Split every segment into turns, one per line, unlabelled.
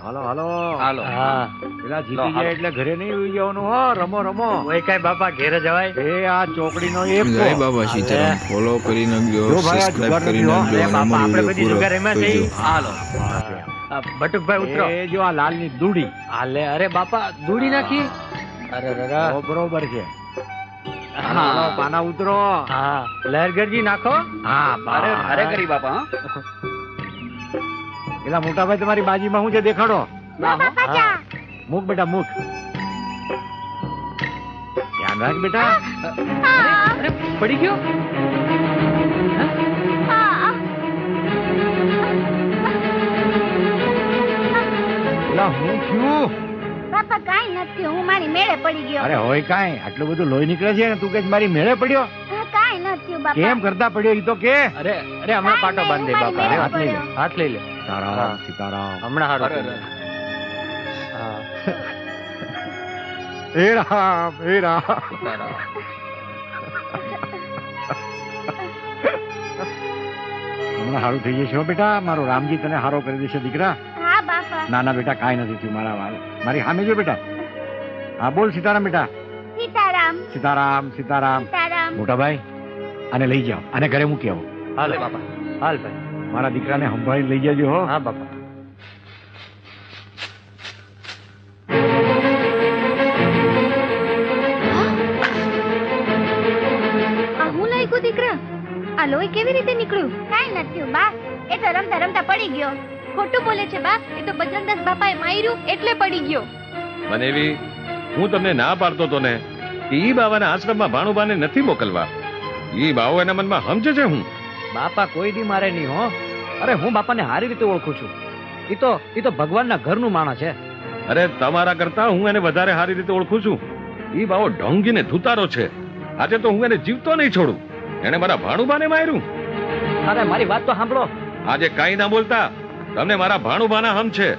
હાલો હાલો
હાલો.
હા પેલા જીતી જાય એટલે ઘરે નહીં ઉઈ જવાનું હો. રમો રમો
ઓય કઈ બાપા ઘેરે જવાય.
એ આ ચોકડીનો એક
જય બાબા સીતારામ. ફોલો કરી નાખજો,
જો ભાઈ, આ
સબસ્ક્રાઇબ કરી
જુગાર
નાખજો
નથી,
અને
બાપા,
અમારો
આપણે
વિડિયો
બધી
પૂરો
જુગાર એમાં
જોજો.
થઈ.
હાલો.
બટુકભાઈ ઉતરો.
એ જો આ લાલની દૂડી
હાલે. અરે બાપા દૂડી નાખી. અરે રરા.
ઓ, બરોબર છે.
હા.
હાલો, પાના ઉતરો.
હા લહેરગરજી નાખો.
હા
અરે
બસ.
અરે કરી બાપા હા?
પેલા મોટા ભાઈ તમારી બાજીમાં શું છે દેખાડો.
ના હો.
હા.
મૂક બેટા મૂક. ધ્યાન રાખ બેટા.
અરે પડી ગયો.
પેલા હું થયું.
બાપા કાઈ નથી, હું મારી મેળે પડી ગયો.
અરે હોય કાંઈ આટલું બધું લોહી નીકળે છે ને તું કે મારી મેળે પડ્યો.
કાઈ નથી બાપા.
કેમ કરતા પડ્યો ઈ તો કે.
અરે અરે હમણાં પાટો બાંધી દે બાપા.
અરે,
અરે,
હાથ લઈ લે.
હાથ લઈ લે.
સીતારામ સીતારામ.
હમણાં હારું
અરે,
થઈ
અરે.
જાય. હા.
હે રામ હે રામ. હમણાં હારું થઈ જશે હો બેટા. મારો રામજી તને હારો કરી દેશે દીકરા.
હા બાપા.
ના ના બેટા કાંઈ નથી થયું મારા વાળ. મારી સામે જો બેટા. હા બોલ સીતારામ બેટા.
સીતારામ
સીતારામ સીતારામ.
સીતારામ.
મોટા ભાઈ આને લઈ જાઓ. આને ઘરે મૂકી આવો.
હાલ બાપા. હાલ ભાઈ.
મારા દીકરાને સંભાળી લઈ જજો હો.
હા બાપા.
આ હું લાગ્યું દીકરા? આ લોહી કેવી રીતે નીકળ્યું? કાઈ નથી બા, એ તો રમતા રમતા પડી ગયો. ખોટું બોલે છે બા, એ તો બજરંગદાસ બાપાએ માર્યું એટલે પડી ગયો.
મનેવી, હું તમને ના પાડતો તો ને ઈ બાવાના આશ્રમમાં ભાણુબાને નથી મોકલવા. ઈ બાવો એના મનમાં સમજે છે હું.
બાપા કોઈ દી મારે નહીં હો. અરે હું બાપાને સારી રીતે ઓળખું છું. ઈ તો ભગવાનના ઘરનું માણસ છે.
અરે તમારા કરતા હું એને વધારે સારી રીતે ઓળખું છું. ઈ બાવો ઢોંગીને ધુતારો છે. આજે તો હું એને જીવતો નહીં છોડું. એને મારા ભાણુબાને માર્યું.
અરે મારી વાત તો સાંભળો.
આજે કાઈ ના બોલતા, તમને મારા ભાણુબાના હમ છે.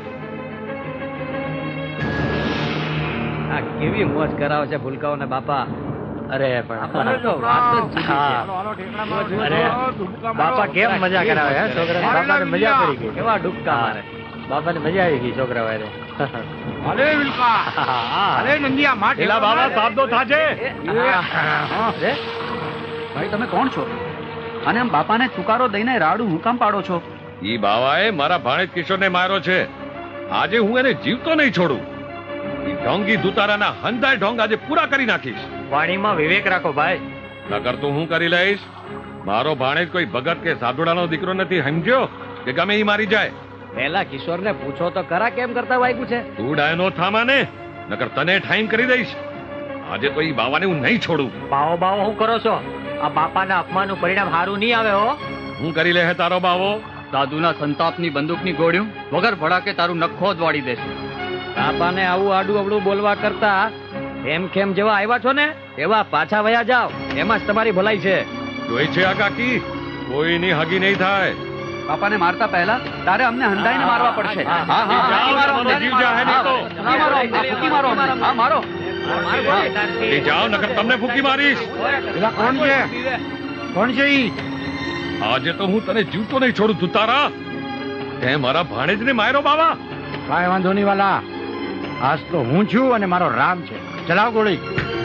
આ કેવી મોજ કરાવે છે ભૂલકાઓને બાપા. અરે પણ આપણને તો વાત જ જુદી છે.
હાલો, હાલો, ઠેકડા મારો.
અરે,
ડૂબકા
બાપા
મારો.
કેમ મજા કરાવે હે છોકરા. બાપાને મજા પડી ગઈ. કેવા ડૂબકા
હા.
મારે. બાપાને મજા આવી ગઈ છોકરા વારે.
અરે વિલકા. અરે નંદિયા માં
એલા બાવા સાબદો થાજે.
અરે,
ભાઈ તમે કોણ છો? અને આમ બાપાને ચુકારો દઈને રાડું હું કામ પાડો છો?
ઈ બાવાએ મારા ભાણેજ કિશોરને માર્યો છે. આજે હું એને જીવતો નહીં છોડું. ઈ ઢોંગી ધુતારાના હંધાય ઢોંગ આજે પૂરા કરી નાખીશ.
વાણીમાં વિવેક રાખો ભાઈ.
નકર તો હું કરી લઈશ. મારો ભાણેજ કોઈ ભગત કે સાધુડાનો દીકરો નથી, સમજ્યો? કે ગમે ઈ મારી જાય.
પેલા કિશોરને પૂછો તો ખરા કેમ કરતા વાગ્યું છે.
તું ડાયનો થામાને, નકર તને ઠાઈમ કરી દઈશ. આજે તો ઈ બાવાને હું નહીં છોડું.
બાવો બાવો શું કરો છો? આ બાપાના અપમાનનું પરિણામ સારું નહીં આવે હો.
હું કરી લે હે તારો બાવો.
સાધુના સંતાપની બંદૂકની ગોળીઓ વગર ભડાકે તારું નખો જ વાળી દેશે.
બાપાને આવું આડું અવળું બોલવા કરતા એમ કેમ જેવા આવ્યા છો ને એવા પાછા વયા જાવ. એમાં જ તમારી ભલાઈ છે.
જોઈ છે આ કાકી, કોઈની હગી નહીં થાય.
બાપાને મારતા પહેલા તારે અમને હંધાઈને મારવા પડશે.
હા,
હા, હા,
જાઓ,
હા, મારો,
તમારો જીવ જાહે નહીં તો.
ના મારો, આ ફૂંકી મારો અમને. હા, મારો.
એ જાઓ, નકર તમને ફૂંકી મારીશ.
પેલા કોણ છે? કોણ છે ઈ?
આજે તો હું તને જીવતો નહીં છોડું તુતારા. તે મારા ભાણેજને માર્યો બાવા.
કાંઈ વાંધો નહીં વાલા. આજ તો હું છું અને મારો રામ છે. ચલાવ ગોળી.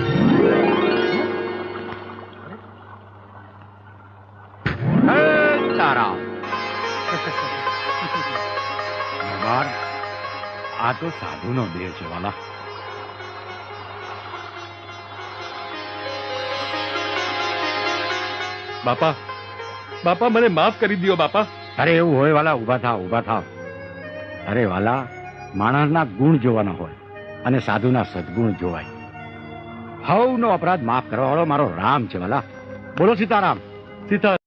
હે તારા. બાર, આ તો સાધુનો દેહ છે વાલા.
બાપા, બાપા મને માફ કરી દ્યો બાપા.
અરે એવું હોય વાલા, ઊભા થાવ ઊભા થાવ. અરે વાલા, માણસના ગુણ જોવાના હોય અને સાધુના સદગુણ જોવાય. હવનો અપરાધ માફ કરવા વાળો મારો રામ છે વાલા. બોલો સીતારામ. સીતા